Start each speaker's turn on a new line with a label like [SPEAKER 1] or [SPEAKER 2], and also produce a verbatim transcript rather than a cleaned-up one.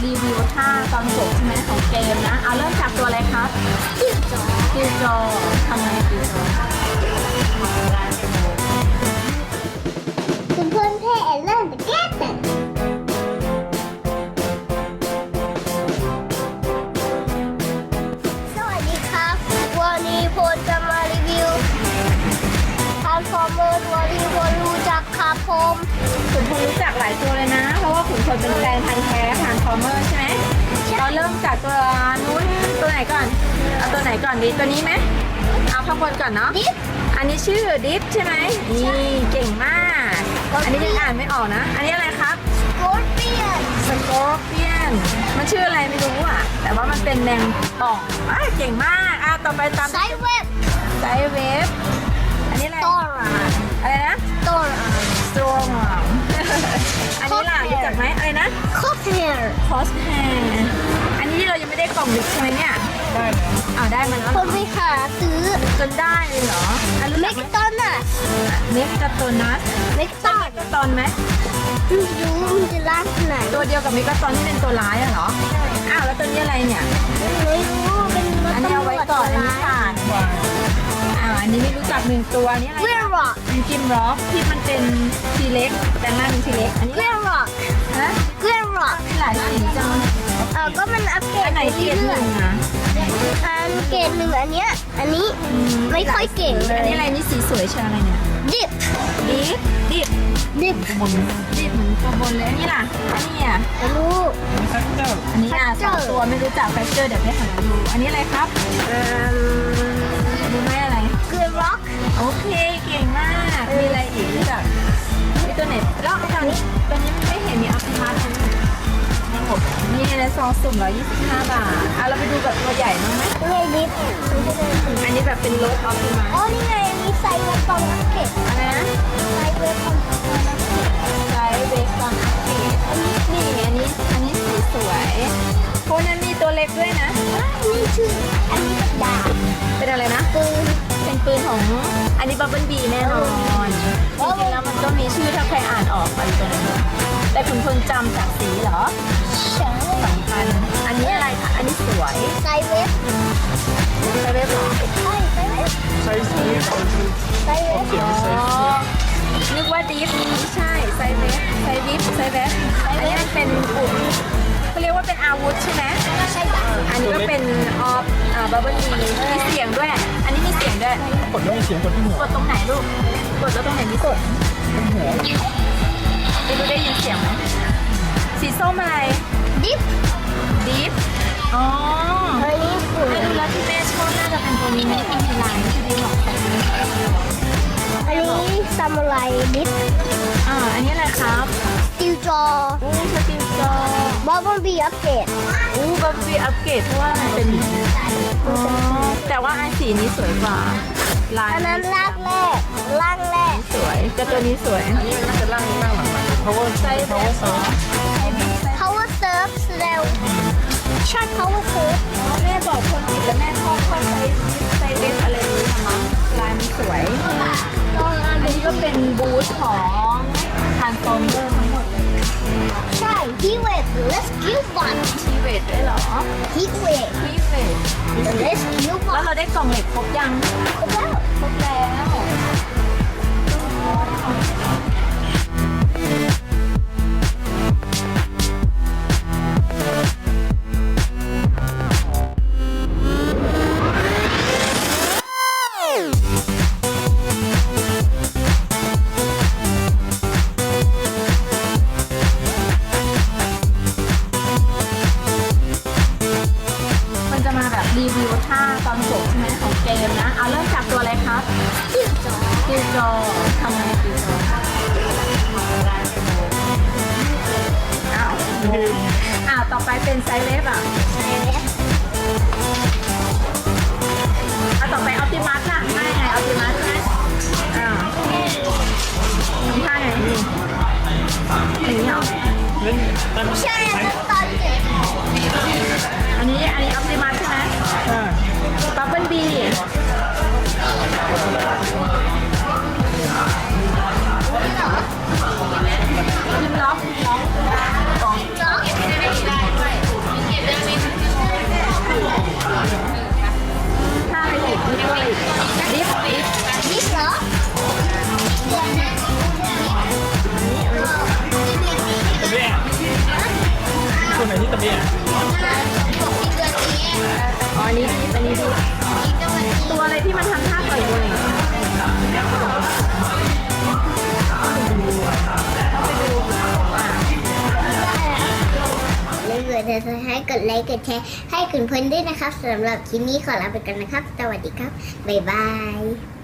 [SPEAKER 1] รีวิวท่าตอนจบใช่ไหมของเกมนะเอาเริ่มจากตัวอะไรครับกิวจอกิวจอทำไงกิวจอ
[SPEAKER 2] คุณเพื่อนเพ่เล่นแต่แก้แต่สวัสดีครับวันนี้ผมจะมารีวิวทาร์ฟอร์เมอร์ตัวที่ผมรู้จักครับผม
[SPEAKER 1] ขุนพลรู้จักหลายตัวเลยนะ เพราะว่าขุนพลเป็นแฟนพันธุ์แท้ทางฟอร์เมอร์ใช่ไหมเราเริ่มจากตัวนู้นตัวไหนก่อนเอาตัวไหนก่อนดีตัวนี้ไหมเอาข้างบนก่อนเนาะ
[SPEAKER 2] ดิฟ
[SPEAKER 1] อันนี้ชื่อดิฟใช่ไหมนี่เก่งมาก อันนี้ยังอ่านไม่ออกนะ อันนี้อะไรครับ
[SPEAKER 2] โกลเปียน
[SPEAKER 1] สกอร์เปียนมันชื่ออะไรไม่รู้อ่ะแต่ว่ามันเป็นแมงป่องอ่ะเก่งมากอ่ะต่อไปตาม
[SPEAKER 2] ไซเว็บ
[SPEAKER 1] ไซเวฟอันนี้อะไร
[SPEAKER 2] ตอรา
[SPEAKER 1] อะไรนะ
[SPEAKER 2] ตอรา
[SPEAKER 1] สโตรมอันนี้ล่ะรู้จักไหมอะไรนะ
[SPEAKER 2] คอฟเนียร์
[SPEAKER 1] คอสแฮร์อันนี้ที่เรายังไม่ได้กล่องลึกใช่ไหมเนี่ยได้แล้วอ้าวได้มันแล้ว
[SPEAKER 2] ผมไปหาซื้อ
[SPEAKER 1] จนได้เลยเหรออันรู้
[SPEAKER 2] เม
[SPEAKER 1] จัก
[SPEAKER 2] กตันอะ
[SPEAKER 1] เม็กกาโตนัส
[SPEAKER 2] เมกตัน
[SPEAKER 1] เมกาตอนไหม
[SPEAKER 2] ไม่รู้มันจะล่างที่ไหน
[SPEAKER 1] ตัวเดียวกับเมกาตอนที่เป็นตัวร้ายอะเหรออ้าวแล้วตัวนี้อะไรเนี่ย
[SPEAKER 2] ไม่รู้เป็นรถ
[SPEAKER 1] อันนี้เอา
[SPEAKER 2] ตำร
[SPEAKER 1] ไว้
[SPEAKER 2] วจ
[SPEAKER 1] ก่อนอันนี้
[SPEAKER 2] ร้าย
[SPEAKER 1] ผ่านอ่าอันนี้ไม่รู้จักหนึ่งตัวอันนี้อะไร
[SPEAKER 2] เวลร็อก
[SPEAKER 1] เป็นกิมร็อกที่มันเป็นทีเล็กแต่หน้าเป็นทีเล็กอันนี้
[SPEAKER 2] เวลร็อก
[SPEAKER 1] ฮะ
[SPEAKER 2] เวลร็อก
[SPEAKER 1] หลายสีจัง
[SPEAKER 2] เออก็มันอัปเกรด
[SPEAKER 1] อันไหนเทียบห
[SPEAKER 2] เรื่อ
[SPEAKER 1] นึ่
[SPEAKER 2] ย
[SPEAKER 1] งนะ
[SPEAKER 2] ๆอันเกรดหนึ่งอันเนี้ยอันนี้ไม่ค่อยเก่งเล
[SPEAKER 1] อัน
[SPEAKER 2] ย
[SPEAKER 1] นี้อะไรนี่สีสวยเชียวอะไรเนี่ย
[SPEAKER 2] ดิบ
[SPEAKER 1] ดิฟดิฟ
[SPEAKER 2] ดิบ
[SPEAKER 1] ดิฟเหมือนตัวบนเลยอันนี้ล่ะอันนี้อ่ะ
[SPEAKER 2] ไม่รู้
[SPEAKER 1] อันนี้อ่ะสองตัวไม่รู้จักแฟกเจอร์เดี๋ยวไปหาดูอันนี้อะไรครับเอ่อรู้ไหมอะไร
[SPEAKER 2] เกรดร็อก
[SPEAKER 1] โอเคเก่งมากมีอะไรอีกรู้จักมีตัวไหนแล้วตอนนี้ตัวนี้ไม่เห็นมีอัพพาร์ทนี่ในซองสุ่มร้อยยี่สิบห้าบาทอ่ะเราไปดูแบบตัวใหญ่มั้างไหม
[SPEAKER 2] นี่ไงดิบ
[SPEAKER 1] อันนี้แบบเป็นรถออฟติมัส
[SPEAKER 2] อ๋อนี่ไงอันนี้ไซเวฟตอนอัปเกรด
[SPEAKER 1] อะไรนะ
[SPEAKER 2] ไซเวฟตอนอัปเกรด
[SPEAKER 1] ไซส์เบสตอนอัปเกรดอันนี้นี่อันนี้อันนี้สีสวยโคนนั้นมีตัวเล็กด้วยนะ
[SPEAKER 2] อันนี้ชื่ออันนี้เป็นดาบ
[SPEAKER 1] เป็นอะไรนะ
[SPEAKER 2] ปืน
[SPEAKER 1] เป็นปืนของอันนี้บับเบิ้ลบีแน่นอนจริงๆแล้วมันก็มีชื่อถ้าใครอ่านออกไปตัวนั้นแต่คุณเพิ่งจำจากสีเหรอ
[SPEAKER 2] ใช่
[SPEAKER 1] สำคัญอันนี้อะไรคะอันนี้สวย
[SPEAKER 2] ไซเวฟ
[SPEAKER 1] ใช่ไหมหรอ
[SPEAKER 2] ใช่ไซเวฟ
[SPEAKER 3] ไซส์นี้ของ
[SPEAKER 2] ไซเวฟ
[SPEAKER 1] อ๋อนึกว่าดิฟไม่ใช่ไซเวฟไซดิฟไซเวฟอันนี้มันเป็นอุปเขาเรียกว่าเป็นอาวุธใช่ไหม
[SPEAKER 2] ใช่จ้ะ
[SPEAKER 1] อันนี้ก็เป็นออฟอ่าบับเบิ้ลบีมีเสียงด้วย อันนี้มีเสียงด้วย
[SPEAKER 3] กดแล้วมีเสียงกดที่หัว
[SPEAKER 1] กดตรงไหนลูก กดแล้วตรงไหนมีกด
[SPEAKER 3] หัว
[SPEAKER 1] ไม่รู้ได้ยินเสียงไหมสีส้มอะไร
[SPEAKER 2] ดิฟ
[SPEAKER 1] ดิฟอ๋อ
[SPEAKER 2] อันนี้ปื
[SPEAKER 1] ไม่
[SPEAKER 2] น
[SPEAKER 1] รู้แล้วที่แม่ชอบน่าจะเป็นตัวนี้ไหมที่มีลายที่ดีหรอก
[SPEAKER 2] อันนี้ซามูไรดิฟ
[SPEAKER 1] อ่า อันนี้อะไรครับ
[SPEAKER 2] ติวจอ
[SPEAKER 1] อู้สติลจอบ
[SPEAKER 2] อบบอนบีอัปเกรด
[SPEAKER 1] อู้บัฟฟี่อัปเกรดเพราะว่ามันเป็นอ๋อแต่ว่าอันสีนี้สวยกว่า ลาย
[SPEAKER 2] อันนั้นลากแรกล่างแรก
[SPEAKER 1] สวย แต่ตัวนี้สวย
[SPEAKER 3] อันนี้มันน่าจะล่างนี้ล่างหลังมัน power
[SPEAKER 1] ไซส์
[SPEAKER 3] power
[SPEAKER 1] อ๋อ
[SPEAKER 2] พาวเวอร์เซิร์ฟเร็วใช่ power surf
[SPEAKER 1] แม่บอกคนผิดแล้วแม่ชอบชอบไซส์ไซส์เล็กอะไรนี้ทำมั้งลายมันสวย อันนี้ก็เป็นบูธของทานฟอร์เมอร์ทั้งหมดเลย
[SPEAKER 2] ใช่ฮีเวท rescue bot
[SPEAKER 1] ทีเวทด้วยเหรอ
[SPEAKER 2] ฮีเวท
[SPEAKER 1] ทีเวท
[SPEAKER 2] rescue
[SPEAKER 1] แล้ว
[SPEAKER 2] bot
[SPEAKER 1] เราได้กล่องเหล็กครบยัง
[SPEAKER 2] ครบแล้ว
[SPEAKER 1] ครบแล้ว มันจะมาแบบรีวิวท่าตอนจบใช่ไหมของเกมนะ เอาเริ่มจากตัวอะไรครับ
[SPEAKER 2] ติวจอ
[SPEAKER 1] กิวจอทำไงกิวจออ้าวอ้าวต่อไปเป็นไซเลฟอ่ะ
[SPEAKER 2] ใช่ไหม
[SPEAKER 1] เอาต่อไปออปติมัสล่ะไม่ไงออปติมัสใช่ไหมอ้าวทำท่าไงนี่อย่างนี้เหรอ
[SPEAKER 3] เล่นเล่น
[SPEAKER 2] ใช่อันนั้นตอนเด็ก
[SPEAKER 1] อันนี้อันนี้ออปติมัสใช่ไหม
[SPEAKER 3] อ่า
[SPEAKER 1] บับเบิ้ลบีพิมล็อกล็อก
[SPEAKER 2] เนาะ
[SPEAKER 3] นที่ตะเบีย
[SPEAKER 2] บอกที่เดือนนี้
[SPEAKER 1] อ๋ออันนี้ดีอันนี้ดี
[SPEAKER 2] อีกจะวันนี้
[SPEAKER 1] ตัวอะไรที่มันทำท่าต่อยมวยอย่างเงี้ยต้องไปดูอ่ะ
[SPEAKER 2] แล้วเกิดจะให้กดไลค์กดแชร์ให้คุณเพื่อนด้วยนะครับสำหรับคลิปนี้ขอลาไปก่อนนะครับ สวัสดีครับ บ๊ายบาย